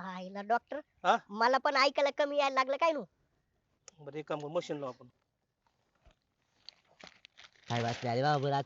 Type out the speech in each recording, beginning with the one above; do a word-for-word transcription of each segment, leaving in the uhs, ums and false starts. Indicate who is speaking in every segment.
Speaker 1: आईला डॉक्टर,
Speaker 2: हा
Speaker 1: मला पण ऐकायला कमी यायला लागलं काय नु.
Speaker 2: बरं एक काम करू मशीन लावू आपण.
Speaker 3: काय बातमी आली बाबा बरं आज.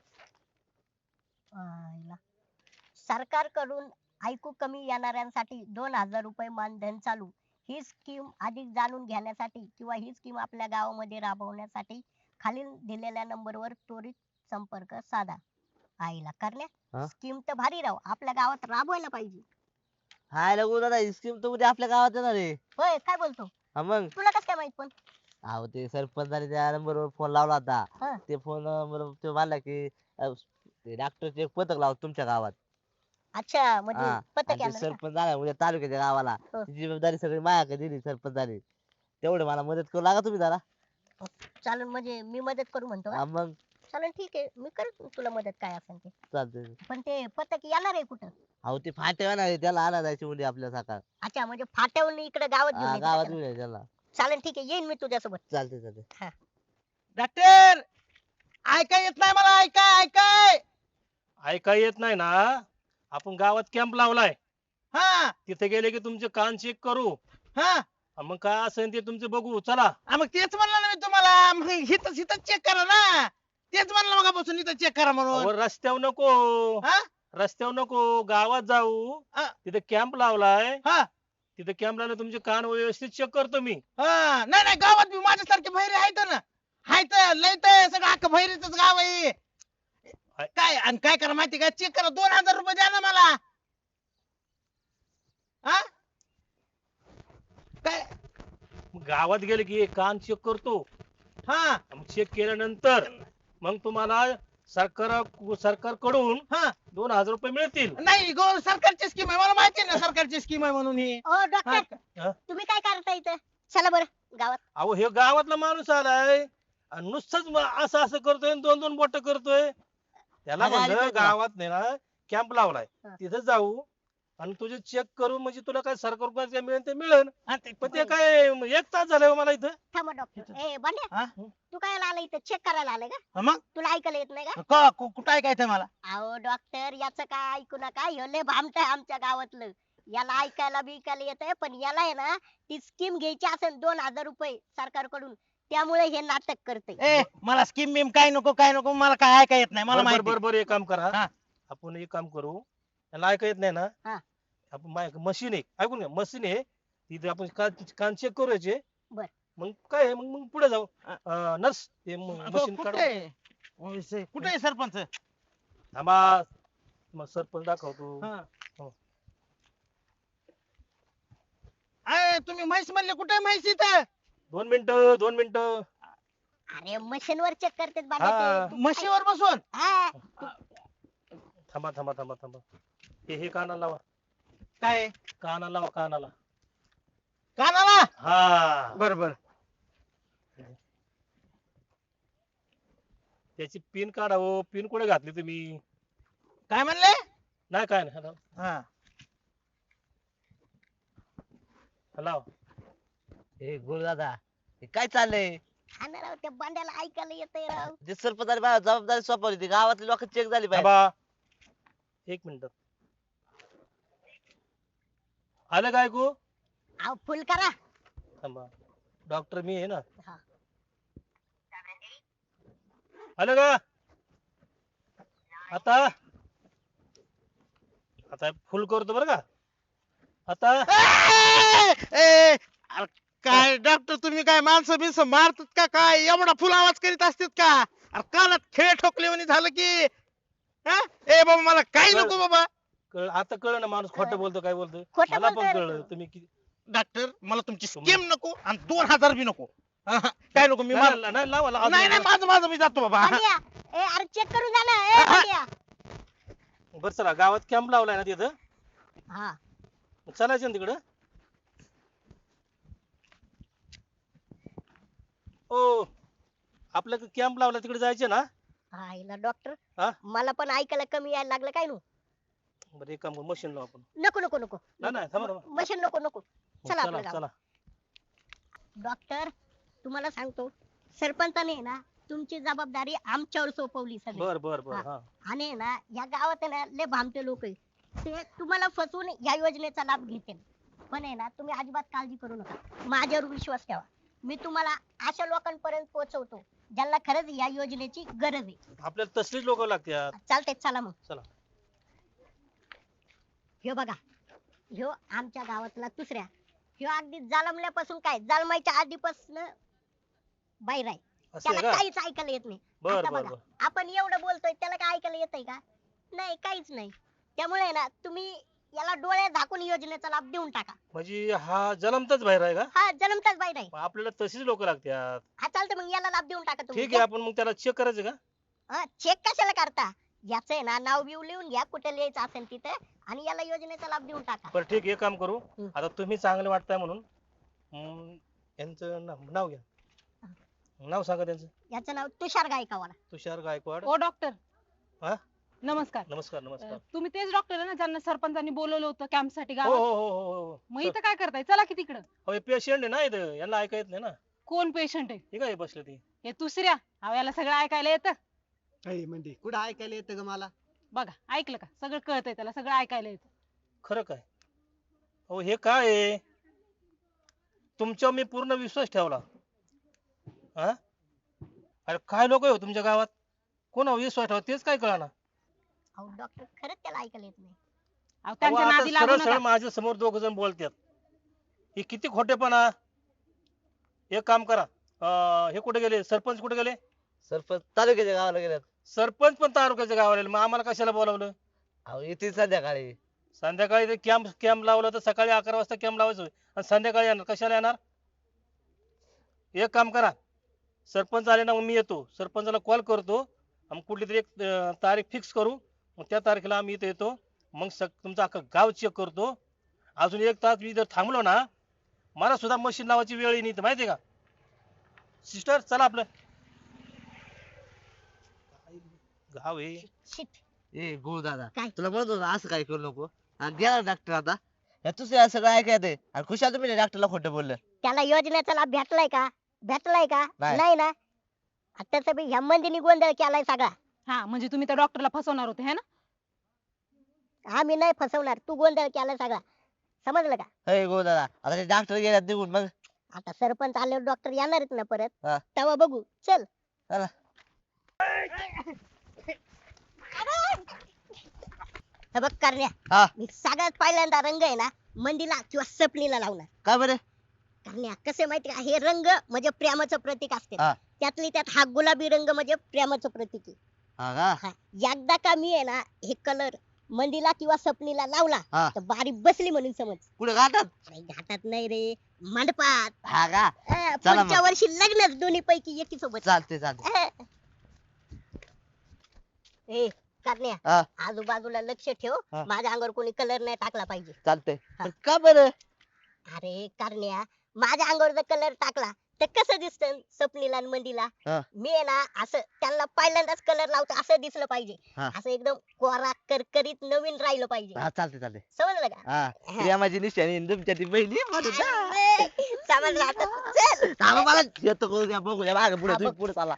Speaker 1: आईला सरकारकडून ऐकू कमी येणाऱ्यांसाठी दोन हजार रुपये मानधन चालू. ही स्कीम अधिक जाणून घेण्यासाठी किंवा ही स्कीम आपल्या गावामध्ये राबवण्यासाठी खालील दिलेल्या नंबरवर त्वरित संपर्क साधा. आईला करण्या,
Speaker 3: हा?
Speaker 1: स्कीम तर भारी राव, आपल्या गावात राबवायला पाहिजे.
Speaker 3: हाय लगू दादा स्कीम तर उद्या आपल्या गावात येणार आहे.
Speaker 1: होय काय बोलतो,
Speaker 3: हा मग.
Speaker 1: तुला कसं काय माहित पण.
Speaker 3: अहो ते सरपंचाने त्या नंबरवर फोन लावला होता.
Speaker 1: हा.
Speaker 3: ते फोन बरोबर ते म्हणला की अ, ते डॉक्टरचे एक पथक लावतो तुमच्या गावात.
Speaker 1: अच्छा म्हणजे
Speaker 3: हा
Speaker 1: पथक
Speaker 3: आणि ते
Speaker 1: येणार का?
Speaker 3: सरपंच झाला उद्या तालुक्याच्या गावाला
Speaker 1: हो.
Speaker 3: ती जबाबदारी सगळी माझ्याकडे दिली सरपंचाने. तेवढे मला मदत करू लागा तुम्ही जरा.
Speaker 1: चालेल म्हणजे मी मदत करू म्हणतो का?
Speaker 3: हा मग
Speaker 1: चालेल ठीक आहे, मी करतो तुला मदत काय असेल ते.
Speaker 3: चालतंय.
Speaker 1: पण ते पथक येणार आहे कुठं?
Speaker 3: अहो ते फाटे येणार आहे त्याला आणा जायची उद्या आपल्या सकाळ.
Speaker 1: अच्छा म्हणजे फाट्यावरून इकडे गावात घेऊन
Speaker 3: हा
Speaker 1: यायचं
Speaker 3: गावात
Speaker 1: का
Speaker 3: येऊन
Speaker 1: त्याला?
Speaker 3: ये त्याला.
Speaker 1: चालेल ठीक आहे, येईन मी तुझ्यासोबत.
Speaker 3: चालतंय चालतंय.
Speaker 4: डॉक्टर ऐकाय येत नाही मला, ऐकाय ऐकाय.
Speaker 2: ऐकाय येत नाही ना. आपण गावात कॅम्प लावलाय,
Speaker 4: हा
Speaker 2: तिथे गेले की तुमचे कान चेक करू.
Speaker 4: हा
Speaker 2: हा, मग काय असेल ते तुमचं बघू चला.
Speaker 4: हा, मग तेच म्हणलं ना मी तुम्हाला, मग हिथं हिथं चेक करा ना. तेच म्हणलं मगापासून इथं चेक करा म्हणून.
Speaker 2: अहो, रस्त्यावर नको,
Speaker 4: हा
Speaker 2: रस्त्यावर नको, गावात जाऊ.
Speaker 4: हा.
Speaker 2: तिथे कॅम्प लावलाय,
Speaker 4: हा
Speaker 2: तिथे कॅम्प लावला तुमचे कान व्यवस्थित चेक करतो मी.
Speaker 4: हा. नाही नाही गावात बी माझ्यासारखे बहिरे आहेत ना. आहेत लय तर सगळं अख्खं बहिरीच गाव आहे. काय आणि काय करा माहिती का, चेक करा, दोन हजार रुपये द्या ना मला. हा काय.
Speaker 2: मग गावात गेले की कान चेक करतो.
Speaker 4: हा
Speaker 2: मग चेक केल्यानंतर मग तुम्हाला सरकार सरकारकडून
Speaker 4: हा
Speaker 2: दोन हजार रुपये मिळतील.
Speaker 4: नाही गो सरकारची स्कीम आहे, मला माहिती आहे ना सरकारची स्कीम आहे म्हणून ही.
Speaker 1: ओ डॉक्टर,
Speaker 2: हा?
Speaker 1: तुम्ही काय करता इथं? चला बरं गावात.
Speaker 2: अहो हे गावातला माणूस आलाय आणि नुसतंच म- असं असं करतोय आणि दोन दोन बोट करतोय. त्याला
Speaker 3: अगं, अरे
Speaker 2: म्हणलं
Speaker 3: ते का?
Speaker 2: गावात नाही ना कॅम्प लावलाय,
Speaker 1: हा.
Speaker 2: तिथे जाऊ आणि तुझे चेक करू म्हणजे तुला काय सरकार काय मिळेल ते मिळेल.
Speaker 4: हा, ते-
Speaker 2: पण ते काय एक तास झालाय हो मला इथं.
Speaker 1: थांबा डॉक्टर. ए बांड्या,
Speaker 4: हा?
Speaker 1: तू काय आला इथं चेक करायला आलाय का?
Speaker 4: हा, मग
Speaker 1: तुला ऐकायला येत नाही का?
Speaker 4: क- कु- कुठं ऐकायचंय मला.
Speaker 1: अहो डॉक्टर, याचं काय ऐकू नका, ह्यो लय भामटं आहे आमच्या गावातलं. याला ऐकायला बिकायला येतंय, पण याला आहे ना ती स्कीम घ्यायची असेल दोन हजार रुपये सरकारकडून, त्यामुळे हे नाटक करते.
Speaker 4: ए मला स्कीम बिम काय नको काय नको, मला काय ऐकाय येत नाही, मला
Speaker 2: बरं
Speaker 4: माहिती.
Speaker 2: बरं बरं एक काम करा,
Speaker 4: हा.
Speaker 2: आपण एक काम करू, त्याला ऐका येत नाही ना.
Speaker 1: हा.
Speaker 2: आपण मशीन आहे, ऐकून घ्या, मशीन आहे तिथे आपण कान कान चेक करू याचे.
Speaker 1: बर.
Speaker 2: मग काय आहे, मग मग पुढे जाऊ.
Speaker 4: हा.
Speaker 2: नर्स ते
Speaker 4: अगं,
Speaker 2: मशीन
Speaker 4: कुठे
Speaker 2: काढू.
Speaker 4: आहे? ओ, इसे- कुठे आहे सरपंच.
Speaker 2: थांबा, मग सरपंच दाखवतो.
Speaker 4: हा.
Speaker 2: हो.
Speaker 4: अय, तुम्ही म्हैस म्हणले, कुठे आहे म्हैस इथं.
Speaker 2: दोन मिनिटं दोन मिनिटं.
Speaker 1: अरे मशीन वर चेक करतात
Speaker 2: हा.
Speaker 1: बांड्या ते.
Speaker 4: म्हशीवर बसून.
Speaker 1: हा.
Speaker 2: थांबा थांबा थांबा थांबा. हे हे कानाला लावा,
Speaker 4: काय
Speaker 2: कानाला लावा, कानाला.
Speaker 4: कानाला.
Speaker 2: हा,
Speaker 4: बर बर.
Speaker 2: त्याची पिन काढा हो. पिन कुठे घातली तुम्ही?
Speaker 4: काय म्हणले.
Speaker 2: नाही काय नाही. हॅलो
Speaker 4: हा
Speaker 2: हॅलो.
Speaker 3: ए गुरु दादा हे काय चाललंय.
Speaker 1: हा ना राव, त्या बांड्याला ऐकायला येतंय राव.
Speaker 3: जे सरपंचाने माझ्यावर जबाबदारी सोपवली ती गावातली लोक चेक झाली पाहिजे.
Speaker 2: थांबा एक मिनिट. आलं काय ऐकू?
Speaker 1: अहो फुल करा.
Speaker 2: थांबा, डॉक्टर मी आहे ना.
Speaker 1: हा.
Speaker 2: आलं का आता? आता फुल करतो बरं का आता.
Speaker 4: ए, ए, अरे काय डॉक्टर तुम्ही काय माणसं बिनस मारतात का काय, एवढा फुल आवाज करीत असतात का. अरे कानात खेळ ठोकले म्हणे झालं की. हा? ए बाबा मला काही
Speaker 2: कळ-
Speaker 4: नको बाबा.
Speaker 2: कळ आता कळलं ना माणूस खोटं बोलतो काय बोलतो.
Speaker 1: खोटं
Speaker 2: मला पण
Speaker 1: बोलतोय रे
Speaker 2: कळलं
Speaker 1: तो.
Speaker 2: तुम्ही किती.
Speaker 4: डॉक्टर मला तुमची स्कीम नको आणि दोन हजार बी नको. हा, हा, काय नको मी
Speaker 2: नाही,
Speaker 4: मार-
Speaker 2: नाही, नाही, लावा, लावा.
Speaker 4: नाही नाही माझं माझं मी जातो बाबा.
Speaker 1: बांड्या, ए अरे चेक करून जा ना. ए बांड्या.
Speaker 2: बरं चला, गावात कॅम्प लावलाय ना तिथं,
Speaker 1: हा.
Speaker 2: चालायचं ना तिकडं. ओ, आपल्या कॅम्प लावला तिकडे जायचे ना.
Speaker 1: आईला डॉक्टर,
Speaker 2: हा?
Speaker 1: मला पण ऐकायला कमी यायला लागलं काय नु.
Speaker 2: बरं एक काम करू, मशीन लावू आपण.
Speaker 1: नको नको नको.
Speaker 2: नाही नाही थांबा थांबा.
Speaker 1: मशीन नको नको. चला
Speaker 2: चला
Speaker 1: आपलं गाव.
Speaker 2: चला.
Speaker 1: डॉक्टर, तुम्हाला सांगतो, सरपंचाने आहे ना तुमची जबाबदारी आमच्यावर सोपवली सगळी.
Speaker 2: बर बर बर.
Speaker 1: हा.
Speaker 2: हा
Speaker 1: आणि आहे ना या गावात आहे ना लय भामटे लोक आहे, ते तुम्हाला फसवून या योजनेचा लाभ घेतील. पण आहे ना तुम्ही अजिबात काळजी करू नका, माझ्यावर विश्वास ठेवा. मी तुम्हाला अशा लोकांपर्यंत पोहोचवतो ज्यांना खरंच या योजनेची गरज आहे.
Speaker 2: आपल्याला तसलीच लोक लागतात.
Speaker 1: चालतंय, चला मग.
Speaker 2: चला.
Speaker 1: ह्यो बघा, ह्यो आमच्या गावातला दुसऱ्या, ह्यो अगदी जन्मल्यापासून काय जन्माच्या आधीपासून बाहेर आहे.
Speaker 2: असं आहे
Speaker 1: त्याला
Speaker 2: का?
Speaker 1: काहीच ऐकायला येत नाही.
Speaker 2: बर
Speaker 1: आता
Speaker 2: बर
Speaker 1: बघा,
Speaker 2: बर.
Speaker 1: आपण एवढं बोलतोय त्याला काय ऐकायला येतंय का? नाही, काहीच नाही. त्यामुळे आहे ना तुम्ही याला डोळे झाकून योजनेचा लाभ देऊन टाका.
Speaker 2: म्हणजे हा जन्मताच बाहेर आहे का?
Speaker 1: हा जन्मताच बाहेर आहे.
Speaker 2: मग आपल्याला तशीच लोक लागतात.
Speaker 1: हा चालतं, मग याला लाभ देऊन टाका तुम्ही.
Speaker 2: ठीक आहे, आपण मग त्याला चेक करायचं का?
Speaker 1: हा, चेक कशाला करता? याचं आहे ना नाव बिव लिहून घ्या, कुठे लिहायचं असेल तिथे, आणि याला योजनेचा लाभ देऊन टाका.
Speaker 2: बरं ठीक आहे, एक काम करू.
Speaker 1: हम्म.
Speaker 2: आता तुम्ही चांगले वाटताय म्हणून हम्म, यांचं नाव नाव घ्या. नाव सांगा त्यांचं.
Speaker 1: याचं नाव तुषार गायकवाड.
Speaker 2: तुषार गायकवाड.
Speaker 5: ओ डॉक्टर.
Speaker 2: हा?
Speaker 5: नमस्कार.
Speaker 2: नमस्कार
Speaker 5: अ,
Speaker 2: नमस्कार.
Speaker 5: तुम्ही तेच डॉक्टर आहे ना ज्यांना सरपंचांनी बोलवलं होतं कॅम्प साठी
Speaker 2: हो
Speaker 5: गावात?
Speaker 2: हो हो हो हो
Speaker 5: मग इथं काय करताय? चला की तिकडं.
Speaker 2: हो पेशंट आहे ना इथं, यांना ऐका येत नाही ना.
Speaker 5: कोण पेशंट आहे?
Speaker 2: हे काय बसले ते.
Speaker 5: हे दुसऱ्या. अहो याला सगळं ऐकायला येतं.
Speaker 6: अय म्हणजे कुठं ऐकायला येतं ग मला?
Speaker 5: बघा, ऐकलं का? सगळं कळतंय त्याला, सगळं ऐकायला येतं.
Speaker 2: खरं काय? हो हे काय आहे? तुमच्यावर मी पूर्ण विश्वास ठेवला. हा? अरे काय लोक हो तुमच्या गावात, कोणावर विश्वास ठेवा तेच काय कळना.
Speaker 1: अहो डॉक्टर, खरंच त्याला ऐकायला येत नाही.
Speaker 5: अहो त्यांच्या नादी लागू
Speaker 2: सरळ सरळ
Speaker 5: नका.
Speaker 2: माझ्या समोर दोघ जण बोलतात. हे किती खोटेपणा. एक काम करा, अं, हे कुठे गेले? सरपंच कुठे गेले?
Speaker 3: सरपंच तालुक्याच्या गावाला गेल्यात.
Speaker 2: सरपंच पण तालुक्याच्या गावाला गेले. मग आम्हाला कशाला बोलावलं?
Speaker 3: अहो येतील संध्याकाळी.
Speaker 2: संध्याकाळी कॅम्प कॅम्प लावला तर सकाळी अकरा वाजता कॅम्प लावायचं आणि संध्याकाळी येणार, कशाला येणार? एक काम करा, सरपंच आले ना मग मी येतो, सरपंचाला कॉल करतो आणि कुठली तरी एक अं, तारीख फिक्स करू. मग त्या तारखेला आम्ही इथे येतो. मग सग तुमचं अख्खं गाव चेक करतो. अजून एक तास मी जर थांबलो ना, मला सुद्धा मशीन लावायची वेळ येईल इथं, माहितीये का? सिस्टर चला आपलं गाव आहे.
Speaker 1: शिट.
Speaker 3: ए गुरु दादा,
Speaker 1: काय?
Speaker 3: तुला म्हणत होतो असं काय करू नको. आणि गेला डॉक्टर आता. या दुसऱ्या सगळं ऐकायला येतंय. आणि खुशाल तुम्ही डॉक्टरला खोटं बोललं.
Speaker 1: त्याला योजनेचा लाभ भेटलाय का? भेटलाय का?
Speaker 3: नाही.
Speaker 1: नाही ना. आता बी ह्या मंदीने गोंधळ केलाय सगळा.
Speaker 5: हा म्हणजे तुम्ही त्या डॉक्टरला फसवणार होते है ना?
Speaker 1: आम्ही नाही फसवणार, तू गोंधळ केलाय सगळा. समजलं का?
Speaker 3: अय गुरु दादा, आता ते डॉक्टर गेल्यात निघून. मग
Speaker 1: आता सरपंच आल्यावर डॉक्टर येणार आहेत ना परत,
Speaker 3: हा.
Speaker 1: तेव्हा बघू. चल.
Speaker 3: चला.
Speaker 1: हे बघ करण्या,
Speaker 3: हा
Speaker 1: मी सगळ्यात पहिल्यांदा रंग आहे ना मंदीला किंवा सपनीला लावणार.
Speaker 3: काय बरं?
Speaker 1: करण्या कसे माहिती का, हे रंग म्हणजे प्रेमाचं प्रतीक असते.
Speaker 3: हा.
Speaker 1: त्यातली त्यात हा गुलाबी रंग म्हणजे प्रेमाचं प्रतीक आहे.
Speaker 3: हा का?
Speaker 1: हा, एकदा का मी आहे ना हे कलर मंदीला किंवा सपनीला लावला
Speaker 3: हा.
Speaker 1: तर बारी बसली म्हणून समज.
Speaker 3: कुठे घाटात?
Speaker 1: अरे घाटात नाही रे, मंडपात.
Speaker 3: हा का?
Speaker 1: अं,
Speaker 3: चला
Speaker 1: पुढच्या
Speaker 3: मग.
Speaker 1: वर्षी लग्नच दोन्ही पैकी एकी सोबत.
Speaker 3: चालते चालते.
Speaker 1: अं. ए करण्या,
Speaker 3: हा
Speaker 1: आजूबाजूला लक्ष ठेव,
Speaker 3: हा.
Speaker 1: माझ्या अंगावर कोणी कलर नाही टाकला पाहिजे.
Speaker 3: चालते.
Speaker 1: हा.
Speaker 3: पण का बरं?
Speaker 1: अरे करण्या, माझ्या अंगावर जर कलर टाकला तर कसं दिसतं सपनीला आणि मंदीला?
Speaker 3: हा.
Speaker 1: मी आहे ना असं त्यांना पहिल्यांदाच कलर लावतो असं दिसलं पाहिजे.
Speaker 3: हा.
Speaker 1: असं एकदम कोरा करकरीत नवीन राहिलं पाहिजे.
Speaker 3: हा चालते चालते.
Speaker 1: समजलं का?
Speaker 3: हा
Speaker 1: हा.
Speaker 3: प्रेमाची निशाणी आणि तुमच्या ती बहिणी म्हणून ना.
Speaker 1: अरे, समजलं आता तू. चल.
Speaker 3: थांबा मला येतो करू द्या, बघू द्या मागे पुढे.
Speaker 1: हा,
Speaker 3: तुम्ही
Speaker 1: बघ.
Speaker 3: पुढे चाला.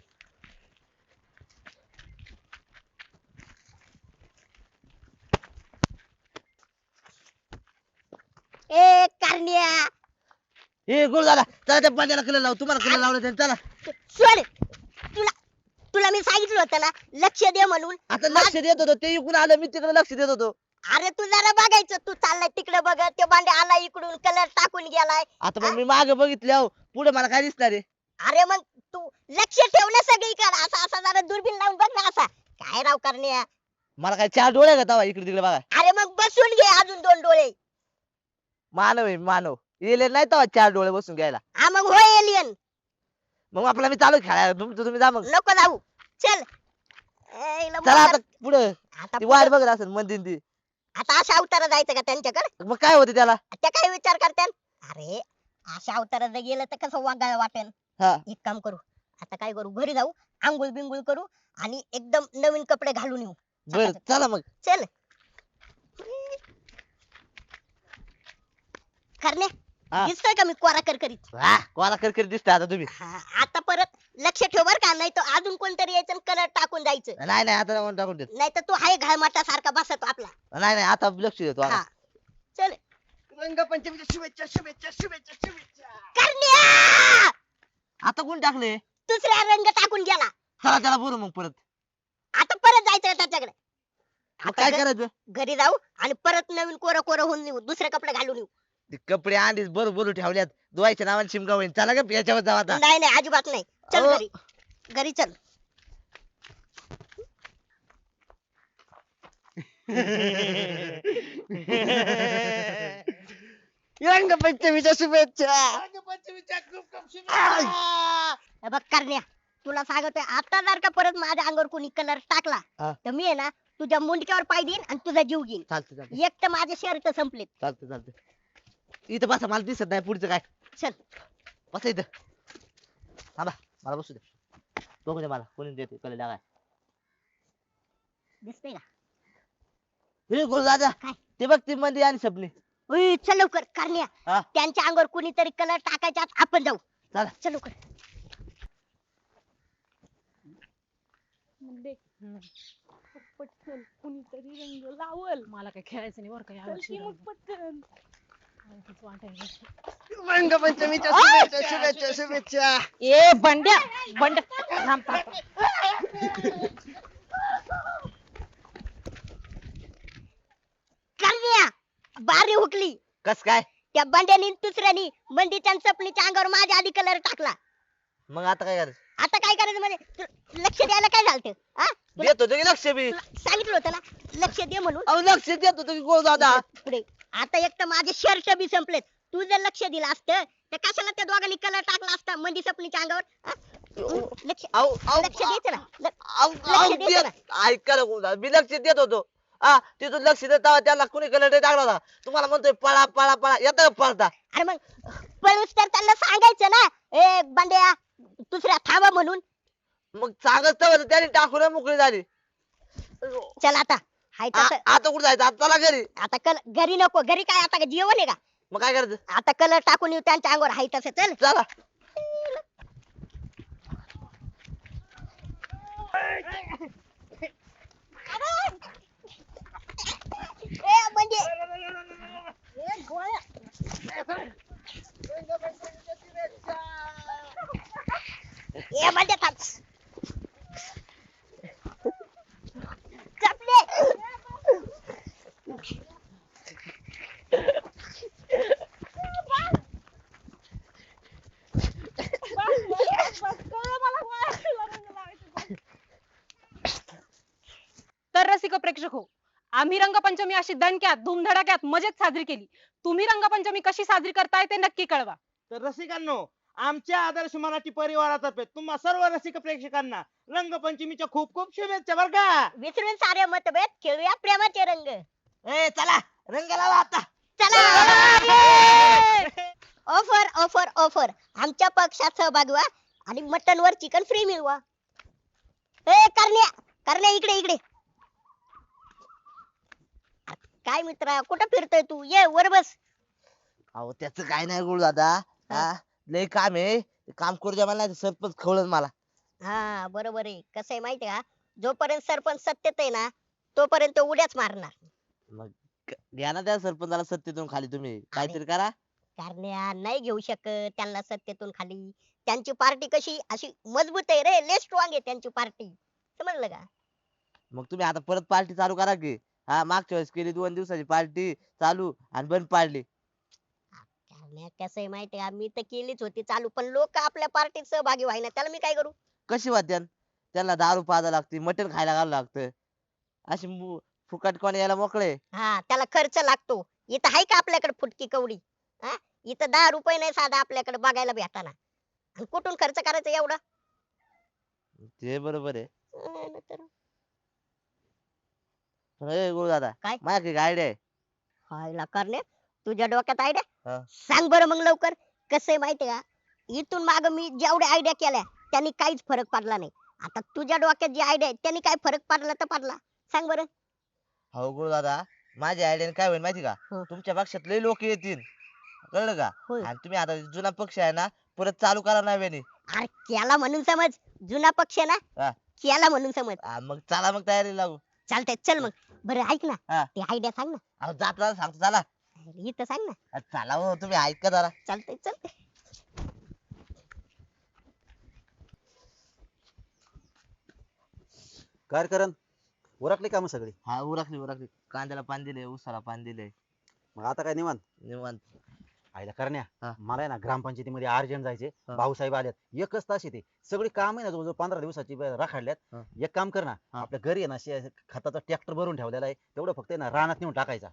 Speaker 1: ए करण्या,
Speaker 3: ए गुरु दादा, चला त्या पाण्याला कलर लावू. तुम्हाला कलर लावलं त्याने. चला
Speaker 1: सोड. तुला तुला मी सांगितलं होतं ना लक्ष दे म्हणून.
Speaker 3: आता लक्ष देत होतो, ते इकडून आलं, मी तिकडे लक्ष देत होतो.
Speaker 1: अरे तू जरा बघायचं, तू चाललाय तिकडे बघत, ते बांडे आला इकडून कलर टाकून गेलाय.
Speaker 3: आता मग मी मागे बघितले अहो, पुढे मला काय दिसणार आहे?
Speaker 1: अरे मग तू लक्ष ठेव ना सगळीकडे, असा असा जरा दुर्बीन लावून बघ ना असा. काय राव करण्या.
Speaker 3: मला काय चार डोळे का तवा इकडे तिकडे बघा?
Speaker 1: अरे मग बसून घे अजून दोन डोळे.
Speaker 3: मानव आहे मानव. येले नाही तवा चार डोळे बसून घ्यायला.
Speaker 1: हा मग होय एलियन.
Speaker 3: मग आपला मी चालू खेळायला, तुमचं तुम्ही जा मग.
Speaker 1: नको जाऊ. चल. ए, इला
Speaker 3: चला आता
Speaker 1: मोकार-
Speaker 3: पुढे.
Speaker 1: आता
Speaker 3: ती वाट
Speaker 1: पुढं-
Speaker 3: बघत असेल मंदिर ती.
Speaker 1: आता अशा अवतारा जायचं का त्यांच्याकडे?
Speaker 3: मग काय होते त्याला?
Speaker 1: त्या काय विचार करतात? अरे अशा अवतारात जर गेलं तर कसं वागायला वाटेल.
Speaker 3: हा
Speaker 1: एक काम करू, आता काय करू, घरी जाऊ, आंघोळ बिंगुळ करू आणि एकदम नवीन कपडे घालून येऊ.
Speaker 3: बर चला मग.
Speaker 1: चल. करणे,
Speaker 3: हा.
Speaker 1: दिसतोय का मी कोरा करकरीत?
Speaker 3: हा कोणा करकरी दिसतंय आता तुम्ही.
Speaker 1: हा, आता परत लक्ष ठेव बर का, नाही तर अजून कोणतरी यायचं कलर टाकून जायचं.
Speaker 3: नाही नाही आता नको टाकून देत.
Speaker 1: नाही तर तू हाय घाळमाटा सारखा बसतो आपला.
Speaker 3: नाही नाही आता लक्ष देतो आता.
Speaker 1: हा. चल.
Speaker 6: रंगपंचमीच्या शुभेच्छा शुभेच्छा शुभेच्छा शुभेच्छा.
Speaker 1: करण्या
Speaker 3: आता कोण टाकले
Speaker 1: दुसऱ्या रंग टाकून गेला.
Speaker 3: चला त्याला बोलू मग परत
Speaker 1: आता परत जायचं त्याच्याकडे.
Speaker 3: मग
Speaker 1: आता
Speaker 3: काय
Speaker 1: घ-
Speaker 3: करायचं
Speaker 1: घरी जाऊ आणि परत नवीन कोरं कोरं होऊन येऊ, दुसरे कपडे घालून येऊ.
Speaker 3: ते कपडे आधीच बरोबर ठेवल्यात धुवायच्या नावाने शिमगा होईल चला का याच्यावर जाऊ आता
Speaker 1: नाही नाही अजिबात नाही. चल
Speaker 3: अहो.
Speaker 1: घरी घरी चल.
Speaker 6: रंगपंचमीच्या शुभेच्छा.
Speaker 4: रंगपंचमीच्या खूप खूप शुभेच्छा.
Speaker 1: हे बघ करण्या, तुला सांगतोय आता जर का परत माझ्या अंगावर कोणी कलर टाकला
Speaker 3: हा.
Speaker 1: तर मी आहे ना तुझ्या मुंडक्यावर पाय देईन आणि तुझा जीव घेईन.
Speaker 3: चालतं चालतं
Speaker 1: एक तर माझे शर्ट संपलेत.
Speaker 3: चालतं चालतं इथं बसा मला दिसत नाही पुढचं काय
Speaker 1: चल
Speaker 3: बसा इथं थांबा मला बसू दे बघू दे मला कोणी देते कले लागाय
Speaker 1: दिसतंय का?
Speaker 3: हे गोल दादा
Speaker 1: काय?
Speaker 3: ते बघ ती मध्ये आणि सपनी
Speaker 1: उई, चल लवकर करण्या.
Speaker 3: हा.
Speaker 1: त्यांच्या अंगावर कुणीतरी कलर टाकायच्या आत आपण जाऊ.
Speaker 3: चला
Speaker 1: चल लवकर.
Speaker 5: म्हणजे पटकन कुणीतरी रंग लावल. मला काय खेळायचं नाही बरं का यावर्षी रंग. पटकन
Speaker 6: रंगपंचमीच्या शुभेच्छा शुभेच्छा शुभेच्छा.
Speaker 5: ए बंड्या बंड्या थांब, थांब.
Speaker 1: करण्या बारी हुकली.
Speaker 3: कस काय
Speaker 1: त्या बंड्यानी आणि दुसऱ्यानी मंदीच्या आणि सपनीच्या अंगावर माझ्या आधी कलर टाकला.
Speaker 3: मग आता काय करायचं
Speaker 1: आता काय करायचं म्हणजे तू लक्ष द्यायला काय झालं? हा तुला
Speaker 3: देत होतो की लक्ष बी
Speaker 1: तुला सांगितलं होतं ना लक्ष दे म्हणून.
Speaker 3: अहो लक्ष देत होतो की गोल दादा
Speaker 1: पुढे आता एक तर माझे शर्ट बी संपलेत. तू जर लक्ष दिलं असतं तर कशाला त्या दोघांनी कलर टाकला असता मंदी सपनीच्या अंगावर? हा? लक्ष
Speaker 3: अहो अहो
Speaker 1: लक्ष द्यायचं ना. ल-
Speaker 3: अहो,
Speaker 1: लक्ष
Speaker 3: अहो,
Speaker 1: द्यायचं
Speaker 3: देत- ऐका ना गोल दादा मी लक्ष देत होतो हा तिथून लक्ष देता त्याला कुणी कलर टाकला होता तुम्हाला म्हणतोय पळा पळा पळा येतं का पळता
Speaker 1: अरे मग पळूस तर त्यांना सांगायचं ना, ए बंड्या दुसऱ्या थांबा म्हणून.
Speaker 3: मग सांगत होतं त्याने टाकून मोकळी झाली
Speaker 1: चल आता हाय
Speaker 3: आ-
Speaker 1: तसं.
Speaker 3: आता कुठं जायचं आता चला घरी
Speaker 1: आता कल घरी नको. घरी काय आता जेवण आहे का?
Speaker 3: मग काय करायचं
Speaker 1: आता कलर टाकून येऊ त्यांच्या अंगावर हाय तसं. चल
Speaker 3: चला
Speaker 1: ए म्हणजे ए गोळ्या. ए म्हणजे थांब. चपले.
Speaker 5: तर रसिक प्रेक्षक हो, आम्ही रंगपंचमी अशी दणक्यात धूमधडाक्यात मजेत साजरी केली. तुम्ही रंगपंचमी कशी साजरी करताय ते नक्की कळवा.
Speaker 4: तर रसिकांनो, आमच्या आदर्श मराठी परिवारातर्फे तुम्हा सर्व रसिक प्रेक्षकांना रंगपंचमीच्या खूप खूप शुभेच्छा बर का.
Speaker 1: विसरून सारे मतभेद खेळूया प्रेमाचे रंग.
Speaker 3: ए चला रंग लावा आता
Speaker 1: चला ऑफर ऑफर ऑफर आमच्या पक्षात सहभागी व्हा आणि मटन वर चिकन फ्री मिळवा. ए करण्या करण्या इकडे इकडे. काय मित्रा कुठं फिरतोय तू? ये वर बस.
Speaker 3: अहो त्याचं काय नाही गोळ दादा हा लय काम आहे ते काम करू द्या मला नाही तर सरपंच खवळत मला
Speaker 1: हा बरोबर आहे. कसं आहे माहितीये का, जोपर्यंत सरपंच सत्तेत आहे ना तोपर्यंत उड्याच मारणार.
Speaker 3: मग क- घ्या ना त्या सरपंचाला सत्तेतून खाली तुम्ही काहीतरी करा
Speaker 1: करण्या नाही घेऊ शकत त्यांना सत्तेतून खाली. त्यांची पार्टी कशी अशी मजबूत आहे रे, लय स्ट्रॉंग आहे त्यांची पार्टी. समजलं का?
Speaker 3: मग तुम्ही आता परत पार्टी चालू करा की हा मागच्या वेळेस केली दोन दिवसाची पार्टी चालू आणि बंद पाडली
Speaker 1: करण्या कसं आहे माहितीये का, मी तर केलीच होती चालू पण लोक आपल्या पार्टीत सहभागी व्हायना त्याला मी काय करू?
Speaker 3: कशी वाद्यान त्यांना दारू पाजा लागते मटण खायला घालावं लागतं अशी मु- फुकट कोण यायला मोकळे
Speaker 1: हा त्याला खर्च लागतो. इथं आहे का आपल्याकडे फुटकी कवडी? हा इथं दहा रुपये नाही साधा आपल्याकडे बघायला भेटाना. आणि कुठून खर्च करायचा एवढा?
Speaker 3: ते बरोबर आहे
Speaker 1: अं, नाहीतर-
Speaker 3: पण ए गुरु दादा
Speaker 1: काय?
Speaker 3: माझ्याकडे आयडिया आहे
Speaker 1: हायला करण्या तुझ्या डोक्यात
Speaker 3: हा.
Speaker 1: आयडिया सांग बरं मग लवकर. कसं आहे माहितीये का, इथून माग मी जेवढ्या आयडिया केल्या त्यांनी काहीच फरक पडला नाही. आता तुझ्या डोक्यात जी आयडिया आहे त्यांनी काय फरक पडला तर पडला. सांग बरं.
Speaker 3: हो गुरु दादा माझ्या आयडियाने काय होईल माहिती का
Speaker 1: हं.
Speaker 3: तुमच्या पक्षात लय लोक येतील कळलं का
Speaker 1: होय.
Speaker 3: आणि तुम्ही आता जुना पक्ष आहे ना परत चालू करा नव्याने
Speaker 1: अरे केला म्हणून समज, जुना पक्ष ना
Speaker 3: हा.
Speaker 1: केला म्हणून समज.
Speaker 3: हा, मग चला मग तयारी लागू
Speaker 1: चालतंय चल मग. बरं ऐक ना
Speaker 3: हा.
Speaker 1: ती आयडिया सांग ना.
Speaker 3: अहो जाता सांगतो चला
Speaker 1: इथं सांग ना.
Speaker 3: अ, चला हो तुम्ही ऐका जरा.
Speaker 1: चालतंय चालतंय.
Speaker 7: काय करण उरकली कामं सगळी?
Speaker 3: हा उरकली उरकली. कांद्याला पाणी दिले, उसाला पाणी दिले.
Speaker 7: मग आता काय निवांत?
Speaker 3: निवांत.
Speaker 7: आयला करण्या
Speaker 3: हा.
Speaker 7: मला आहे ना ग्रामपंचायतीमध्ये अर्जंट जायचे.
Speaker 3: हा.
Speaker 7: भाऊसाहेब आल्यात एकच तास येते. सगळी काम आहे ना जवळजवळ पंधरा दिवसाची ब- राखाडल्यात.
Speaker 3: हा.
Speaker 7: एक काम कर ना,
Speaker 3: हा.
Speaker 7: आपल्या घरी आहे ना शे- खताचा ट्रॅक्टर भरून ठेवलेला आहे, तेवढं फक्त आहे ना रानात नेऊन टाकायचा.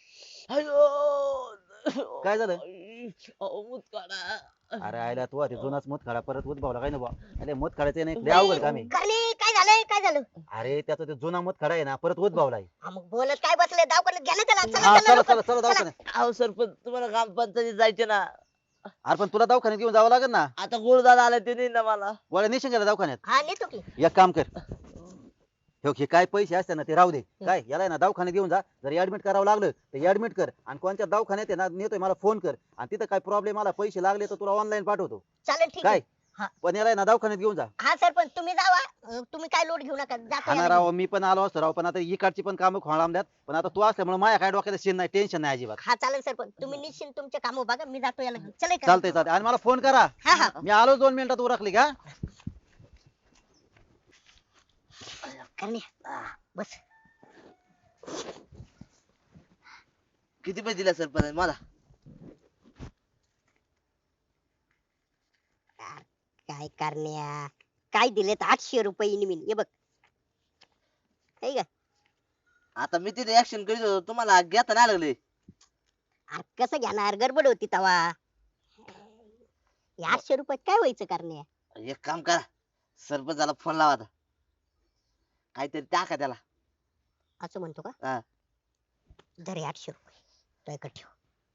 Speaker 3: अयो
Speaker 7: काय झालं?
Speaker 3: अहो, मूत काढा.
Speaker 7: अरे आयला तू अरे जुनाच मत खडा परत उद्भावला काय ना बा. अरे मत खडायचं नाही लय अवघड काम आहे.
Speaker 1: करणे काय झालंय काय झालं?
Speaker 7: अरे त्याचा ते जुना मत खडा आहे ना परत उद्भावलाय.
Speaker 1: हा, मग बोलत काय बसले दवाखान्यात घ्या ना त्याला. चला
Speaker 7: हा
Speaker 1: चला
Speaker 7: चला
Speaker 1: लवकर.
Speaker 7: चला चला दवाखान्यात.
Speaker 3: अहो सरपंच तुम्हाला ग्रामपंचायतीत जायचे ना.
Speaker 7: अरे पण तुला दवाखान्यात घेऊन जावं लागेल ना.
Speaker 3: आता गुरुदादा आला ते नाही ना मला.
Speaker 7: गोळ्या नेशील का दवाखान्यात?
Speaker 1: हा नेतो की.
Speaker 7: एक काम कर, हे घे, काय पैसे असते ना ते राहू दे. काय याला आहे ना दवाखान्यात घेऊन जा. जर ऍडमिट करावं लागलं तर ऍडमिट कर, आणि कोणत्या दवाखान्यात आहे ना नेतोय मला फोन कर, आणि तिथं काय प्रॉब्लेम आला पैसे लागले तर तुला ऑनलाईन पाठवतो.
Speaker 1: चालेल ठीक
Speaker 7: काय
Speaker 1: आहे. हा.
Speaker 7: पण याला आहे ना दवाखान्यात घेऊन जा.
Speaker 1: हा सरपंच तुम्ही जावा. अं, तुम्ही काय लोड घेऊ नका. जातो
Speaker 7: हा ना
Speaker 1: याला
Speaker 7: राव,
Speaker 1: घेऊन.
Speaker 7: मी पण आलो असतो राव, पण आता इकडची पण कामं खोळामल्यात. पण आता तू असल्यामुळे माझ्या काय डोक्यात शेण नाही, टेन्शन नाही अजिबात.
Speaker 1: हा चालेल सरपंच तुम्ही निश्चिंत तुमचे काम बघा. मी जातो याला घेऊन. चला इकडे.
Speaker 7: चालतंय चालतंय, आणि मला फोन करा.
Speaker 1: हा हा.
Speaker 7: मी आलो दोन मिनिटात उरकली का.
Speaker 1: करणे बस.
Speaker 3: किती पैसे दिले सरपंच मला?
Speaker 1: काय करण्या काय दिलेत आठशे रुपये निमिन हे बघ. आहे का?
Speaker 3: आता मी तिथे ऍक्शन करीत होतो तुम्हाला घेता नाही लागले.
Speaker 1: अरे कसं घेणार गडबड होती तवा. हे आठशे रुपयात काय व्हायचं करण्या?
Speaker 3: एक काम करा, सरपंचाला फोन लावा आता. काहीतरी टाका त्याला.
Speaker 1: असं म्हणतो का?
Speaker 3: हा.
Speaker 1: धर हे आठशे रुपये तो इकडे ठेव.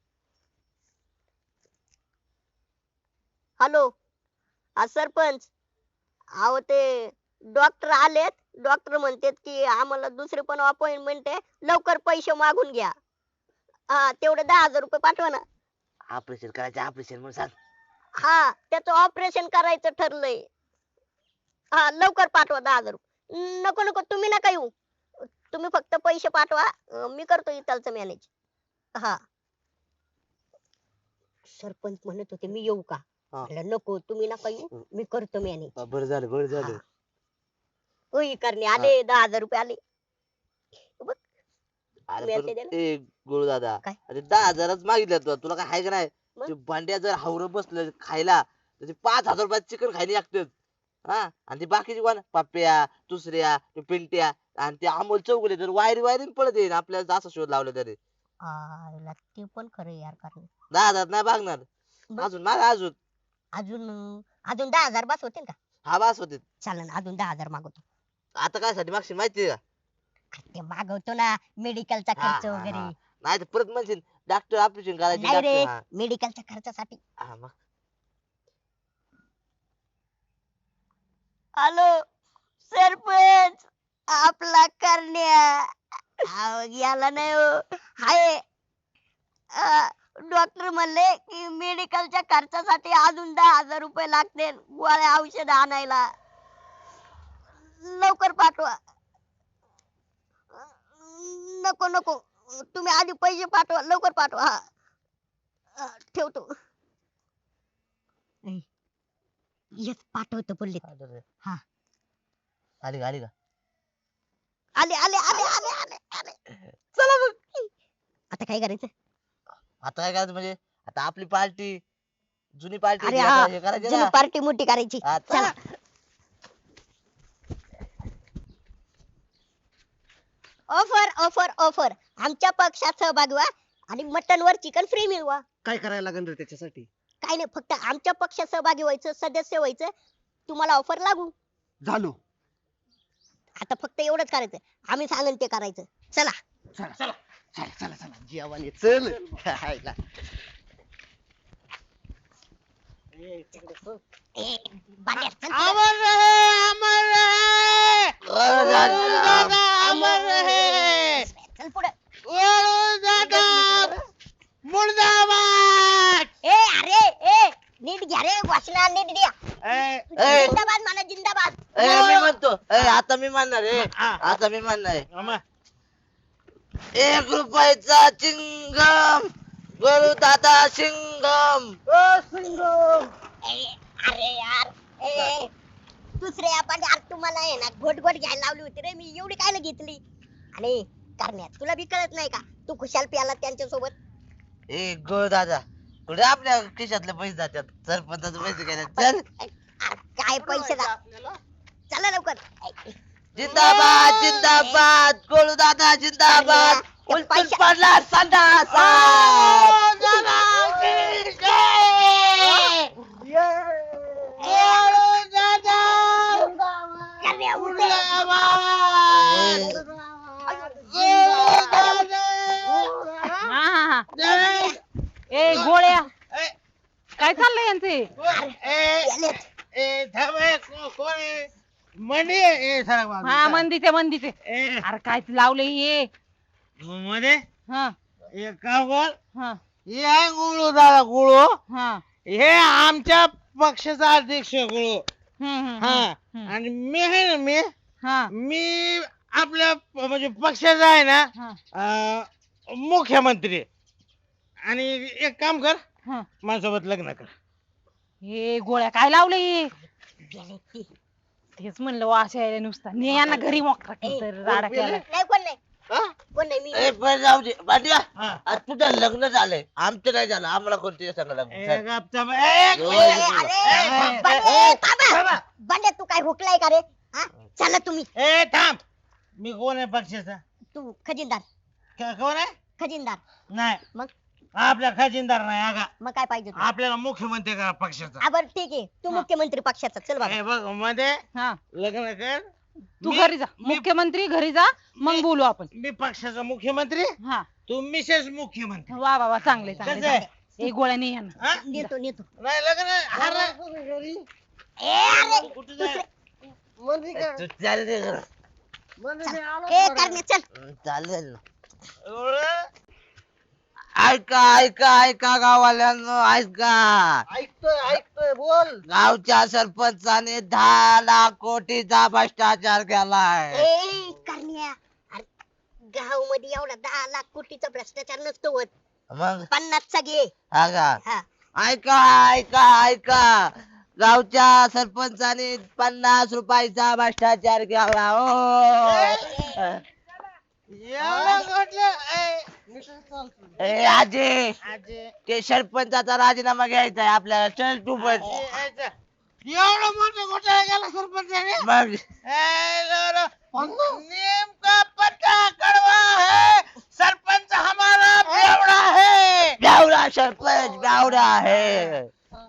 Speaker 1: हॅलो हा सरपंच. अहो ते डॉक्टर आलेत. डॉक्टर म्हणतात की आम्हाला दुसरी पण अपॉइंटमेंट आहे, लवकर पैसे मागून घ्या. हा तेवढे दहा हजार रुपये पाठवा ना.
Speaker 3: ऑपरेशन करायचं ऑपरेशन म्हणून सांग.
Speaker 1: हा त्याचं ऑपरेशन करायचं ठरलंय. हा लवकर पाठवा दहा हजार रुपये. नको नको तुम्ही नका येऊ. तुम्ही फक्त पैसे पाठवा. अं, मी करतो इथलचं मॅनेज. हा सरपंच म्हणत होते मी येऊ का?
Speaker 3: हा.
Speaker 1: म्हणलं नको तुम्ही नका येऊ, मी करतो मॅनेज.
Speaker 3: बरं झालं बरं झालं.
Speaker 1: होई करणे आले दहा हजार रुपये आले.
Speaker 3: अरे
Speaker 1: मी
Speaker 3: पण
Speaker 1: असे दिलं?
Speaker 3: ए गुरुदादा,
Speaker 1: काय?
Speaker 3: अरे दहा हजारच मागितलं तुला. तुला काय हाय का नाही?
Speaker 1: मग?
Speaker 3: ते भांड्या जर हावर बसलं खायला तर ते पाच हजार रुपयात चिकन खायला लागतं. हा आणि ते बाकीचे कोण पप्प्या दुसऱ्या ते पिंट्या आणि ते अमोल चौगुले तर वायरी वायरी पडत येईल आपल्याला असं शोध लावलं तरी.
Speaker 1: आला ते पण खरं यार करणे.
Speaker 3: दहा हजार नाही मागणार.
Speaker 1: मग?
Speaker 3: अजून माग अजून.
Speaker 1: अजून अजून दहा हजार बस होतील का?
Speaker 3: हा बास होते.
Speaker 1: चालेल अजून दहा हजार मागवतो.
Speaker 3: आता काय साठी मागशी माहितीये का?
Speaker 1: ते मागवतो ना मेडिकलचा
Speaker 3: हा,
Speaker 1: खर्च
Speaker 3: हा,
Speaker 1: वगैरे.
Speaker 3: हा. नाही तर परत म्हणशील डॉक्टर ऑपरेशन करायचे
Speaker 1: नाही रे
Speaker 3: डॉक्टर. हा.
Speaker 1: मेडिकलच्या खर्चासाठी.
Speaker 3: हा, मग.
Speaker 1: हॅलो सरपंच आपला करण्या. अहो, याला नाही हो हाय. डॉक्टर म्हणले की मेडिकलच्या खर्चासाठी अजून दहा हजार रुपये लागतील गोळ्या औषध आणायला. लवकर पाठवा. नको नको तुम्ही आधी पैसे पाठवा लवकर पाठवा. हा अं, ठेवतो. ऐ, येस पाठवतो बोलले. हा.
Speaker 3: आली का आली का?
Speaker 1: आले आले आले आले आले आले. चला मग आता काय करायचं?
Speaker 3: आता काय करायचं म्हणजे आता आपली पार्टी जुनी पार्टी
Speaker 1: अरे हा
Speaker 3: हे करायची
Speaker 1: जुनी
Speaker 3: ना.
Speaker 1: पार्टी मोठी करायची.
Speaker 3: हा,
Speaker 1: चला. ऑफर ऑफर ऑफर आमच्या पक्षात सहभागी व्हा आणि मटन वर चिकन फ्री मिळवा.
Speaker 6: काय करायला लागेल रे त्याच्यासाठी?
Speaker 1: काय नाही फक्त आमच्या पक्षात सहभागी व्हायचं सदस्य व्हायचं तुम्हाला ऑफर लागू.
Speaker 6: झालो.
Speaker 1: आता फक्त एवढंच करायचं आम्ही सांगन ते करायचं. चला
Speaker 6: चला चला चला चला चला जेवण ये, चल खायला.
Speaker 1: ए, बांड्या, चल पुढं.
Speaker 4: अमर रहे अमर रहे गुरुदादा, अमर रहे
Speaker 1: चल पुढे.
Speaker 4: गुरुदादा मुर्दाबाद.
Speaker 1: ए अरे ए नीट घ्या रे वाचना नीट द्या.
Speaker 4: ए,
Speaker 3: ए,
Speaker 1: जिंदाबाद म्हणा जिंदाबाद.
Speaker 3: ए, मी म्हणतो ए, आता मी म्हणणार आहे.
Speaker 4: हा.
Speaker 3: आता मी म्हणणार आहे.
Speaker 4: अमर.
Speaker 3: एक रुपयाचा चिंगम गोळू दादा सिंगम
Speaker 1: ए, अरे यार ए दुसरे आपण यार तुम्हाला आहे ना घोट घोट घ्यायला लावली होती रे मी एवढी कायला घेतली आणि करण्यात तुला बी कळत नाही का तू खुशाल प्याला त्यांच्या सोबत
Speaker 3: ए गोळू दादा कुठे आपल्या खिशातले पैसे जातात सरपंचाचे पैसे गेले चल
Speaker 1: काय पैसे दा चला लवकर ए,
Speaker 3: जिंदाबाद जिंदाबाद गोळू दादा जिंदाबाद
Speaker 1: त्या
Speaker 3: उलटून
Speaker 1: पैशा-
Speaker 3: पडला संडास
Speaker 1: करण्या उठे.
Speaker 5: हा हा हा ए गोळ्या काय चाललंय यांचे
Speaker 1: गेलेत.
Speaker 4: म्हणे ए सरक बाजूला.
Speaker 5: हा मंदीचे मंदीचे
Speaker 4: ए,
Speaker 5: अरे काय लावले हे
Speaker 4: मध्ये
Speaker 5: हा
Speaker 4: एक काम कर
Speaker 5: हा
Speaker 4: हे आहे गुळू दादा गुळू
Speaker 5: हा
Speaker 4: हे आमच्या पक्षाचा अध्यक्ष गुळू
Speaker 5: हम्म, हम्म,
Speaker 4: हा
Speaker 5: हम्म.
Speaker 4: आणि मी आहे ना मी
Speaker 5: हा
Speaker 4: मी आपल्या प- म्हणजे पक्षाचा आहे ना
Speaker 5: हा
Speaker 4: अं, मुख्यमंत्री आणि एक काम कर
Speaker 5: हा
Speaker 4: माझ्यासोबत लग्न कर
Speaker 5: हे गोळ्या काय लावले हे
Speaker 1: गेलेत ती.
Speaker 5: तेच म्हणलं वाश यायला नुसता ने यांना घरी मोका
Speaker 1: ए,
Speaker 5: तर राडा केला
Speaker 1: नाही कोण नाही
Speaker 4: हा?
Speaker 1: कोण नाही मी
Speaker 3: ए पण जाऊ दे भाटिया
Speaker 4: हा.
Speaker 3: आज तुझं लग्न झालंय आमचं नाही झालं आम्हाला कोणती सांगा लग्न
Speaker 4: ए,
Speaker 3: चल.
Speaker 4: गपचा बा- ए,
Speaker 3: यो,
Speaker 1: ए,
Speaker 3: यो.
Speaker 1: अरे बंडे, थांबा. बंडे तू काय हुकलाय का रे हा चला तुम्ही
Speaker 4: ए थांब मी कोण आहे पक्षाचा
Speaker 1: तू खजिनदार
Speaker 4: क- कोण आहे
Speaker 1: खजिनदार
Speaker 4: नाही
Speaker 1: मग
Speaker 4: आपल्या खजिनदार नाही आगा
Speaker 1: मग काय पाहिजे तुला?
Speaker 4: आपल्याला मुख्यमंत्री करा पक्षाचा
Speaker 1: हा बरं ठीक आहे तू
Speaker 5: हा.
Speaker 1: मुख्यमंत्री पक्षाचा चल बाबा
Speaker 4: ए, बघ मध्ये
Speaker 5: हा
Speaker 4: लग्न कर
Speaker 5: तू
Speaker 4: मी-
Speaker 5: घरी जा
Speaker 4: मी-
Speaker 5: मुख्यमंत्री घरी जा मग
Speaker 4: मी-
Speaker 5: बोलू आपण
Speaker 4: मी पक्षाचा मुख्यमंत्री
Speaker 5: हा
Speaker 4: तू मिसेस मुख्यमंत्री
Speaker 5: वा वा वा चांगले
Speaker 4: कसं
Speaker 5: चांगले
Speaker 4: आहे?
Speaker 5: एक गोळ्या नाही यांना
Speaker 4: हा?
Speaker 1: नेतो नेतो
Speaker 4: नाही लग्न अरे
Speaker 1: ए अरे
Speaker 4: कुठे जाय
Speaker 3: तू चाल दे जरा.
Speaker 1: ए करणे चल
Speaker 3: चालेल ना ऐका ऐका ऐका गावाल्यांनो ऐका
Speaker 6: ऐकतोय ऐकतोय बोल
Speaker 3: गावच्या सरपंचाने दहा लाख कोटीचा भ्रष्टाचार केलाय
Speaker 1: ए करण्या गाव मध्ये एवढा दहा लाख कोटीचा भ्रष्टाचार नसतो होत
Speaker 3: मग
Speaker 1: पन्नासचा घे
Speaker 3: हा का
Speaker 1: हा
Speaker 3: ऐका ऐका ऐका गावच्या सरपंचाने पन्नास रुपयाचा भ्ष्टाचार केला हो
Speaker 4: एवढं घडलं ए,
Speaker 3: ए आजी
Speaker 4: आजी,
Speaker 3: ते सरपंचाचा राजीनामा घ्यायचा आहे आपल्याला चल तू पण
Speaker 4: ए, यायचं. एवढं मोठं घोटाळा केला सरपंचाने
Speaker 3: मग
Speaker 4: ए, लो, लो. नेमका पत्ता कड़वा है सरपंच हमारा बेवड़ा है
Speaker 3: गावडा सरपंच गावडा आहे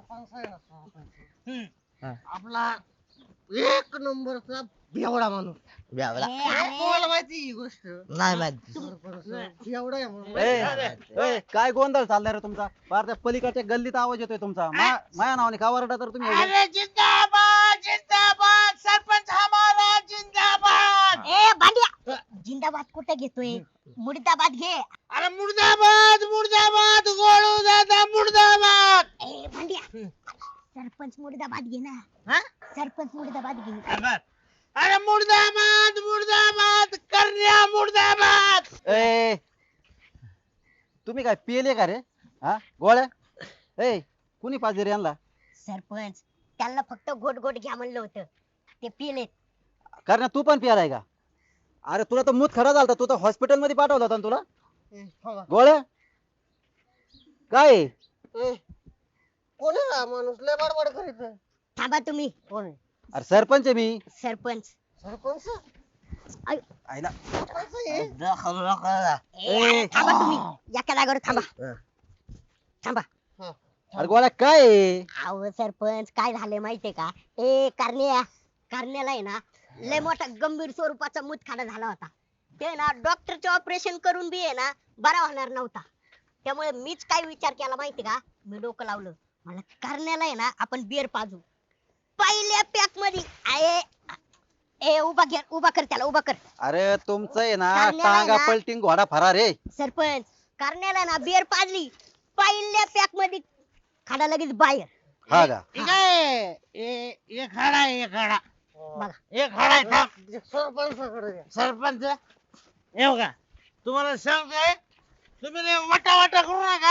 Speaker 4: हम्म.
Speaker 6: आपला एक नंबरचा बेवडा माणूस
Speaker 3: गावडा
Speaker 1: ए, अरे,
Speaker 6: तुम्हाला माहिती ही गोष्ट
Speaker 3: नाही माहिती
Speaker 6: बेवडा आहे म्हणून.
Speaker 7: ए, ए, काय गोंधळ चाललाय रे तुमचा फार त्या पलीकडच्या गल्लीत आवाज येतोय तुमचा मा- माझ्या नावाने का वरडा तर तुम्ही एवढे?
Speaker 4: अरे जिंदाबाद जिंदाबाद सरपंच हमारा जिंदाबाद
Speaker 1: ए भांड्या जिंदाबाद कुठे घेतोय मुर्दाबाद घे
Speaker 4: अरे मुर्दाबाद मुर्दाबाद गोळू दादा मुर्दाबाद
Speaker 1: ए भांड्या सरपंच मुर्दाबाद घे ना
Speaker 4: हा?
Speaker 1: सरपंच मुर्दाबाद घे
Speaker 4: अबर. अरे मुर्दाबाद मुर्दाबाद करण्या मुर्दाबाद
Speaker 7: ए तुम्ही काय पिले का रे हा गोळ्या ए कुणी पाहिजे रे यांना
Speaker 1: सरपंच त्यांना फक्त घोट घोट घ्या म्हणलं होतं ते पिलेत
Speaker 7: कारण तू पण पियालाय का अरे तुला तर मूत खडा झालता तू तर हॉस्पिटल मध्ये पाठवला होता ना तुला
Speaker 6: ए, थांबा.
Speaker 7: गोळ्या काय आहे?
Speaker 6: ए, कोण आहे हा माणूस लय बडबड करीत आहे.
Speaker 1: थांबा तुम्ही
Speaker 6: कोण आहे
Speaker 7: अरे सरपंच आहे मी
Speaker 1: सरपंच
Speaker 6: सरपंच
Speaker 7: आईला
Speaker 6: सरपंच आहे?
Speaker 3: दाखल नका.
Speaker 1: ए, थांबा तुम्ही एका जागेवर थांबा
Speaker 3: हं.
Speaker 1: थांबा
Speaker 7: अरे गोळ्या काय आहे?
Speaker 1: अहो सरपंच काय झालंय माहितीये का ए करण्या करण्याला आहे ना लय मोठा गंभीर स्वरूपाचा मुतखडा झाला होता ते ना डॉक्टरचे ऑपरेशन करून बी आहे ना बरा होणार नव्हता त्यामुळे मीच काय विचार केला माहिती का मी डोकं लावलं मला करण्याला आहे ना आपण बिअर पाजू पहिल्या पॅक मध्ये आहे ए उभा कर उभा कर त्याला उभा कर
Speaker 7: अरे तुमचं आहे ना
Speaker 1: करण्याला आहे
Speaker 7: टांगा
Speaker 1: ना-
Speaker 7: पलटिंग घोडा फरार रे
Speaker 1: सरपंच करण्याला ना बिअर पाजली पहिल्या पॅक मध्ये खाडा लगेच बाहेर
Speaker 7: हा का
Speaker 4: ठीक आहे ए- एक हाडा आहे, एक हाडा
Speaker 1: बघा
Speaker 4: एक हाडा आहे, थांब.
Speaker 6: सरपंचाकडे द्या.
Speaker 4: सरपंच येऊ का तुम्हाला सांगतोय तुम्ही लय वटा वटा करू नका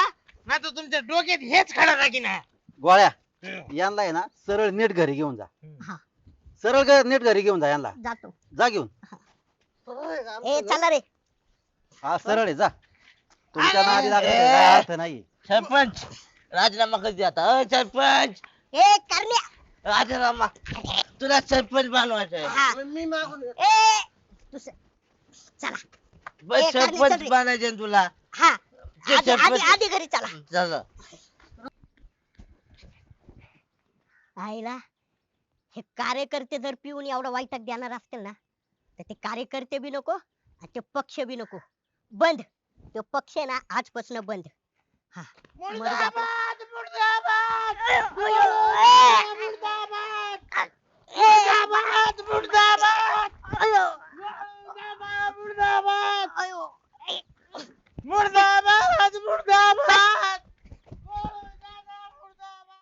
Speaker 4: नाही तर तुमच्या डोक्यात हेच खडा टाकीन हा.
Speaker 7: गोळ्या यांना आहे ना सरळ नीट घरी घेऊन जा
Speaker 1: हा
Speaker 7: सरळ घ- नीट घरी घेऊन जा यांना
Speaker 1: जातो.
Speaker 7: जा घेऊन
Speaker 1: ए चला रे.
Speaker 7: हा सरळ आहे जा तुमच्या नादी लागण्याचा काय अर्थ नाही
Speaker 3: सरपंच राजीनामा कधी आता अ सरपंच
Speaker 1: ए करण्या.
Speaker 3: राजीनामा तुला सरपंच बनवायचंय
Speaker 1: हा.
Speaker 6: मी मागून
Speaker 1: ए दुसरं. चला.
Speaker 3: बस
Speaker 1: ए, कारणे
Speaker 3: सरपंच
Speaker 1: चल रे.
Speaker 3: बनायचे ना तुला
Speaker 1: हा
Speaker 3: ते
Speaker 1: आधी आधी
Speaker 3: सरपंच-
Speaker 1: आधी घरी चला.
Speaker 3: चला
Speaker 1: आईला हे कार्यकर्ते जर पिऊन एवढा वाईटात देणार असतील ना तर ते कार्यकर्ते बी नको आणि ते पक्ष बी नको. बंद. तो पक्ष आहे ना आजपासून बंद. हा मरू दे आपलं.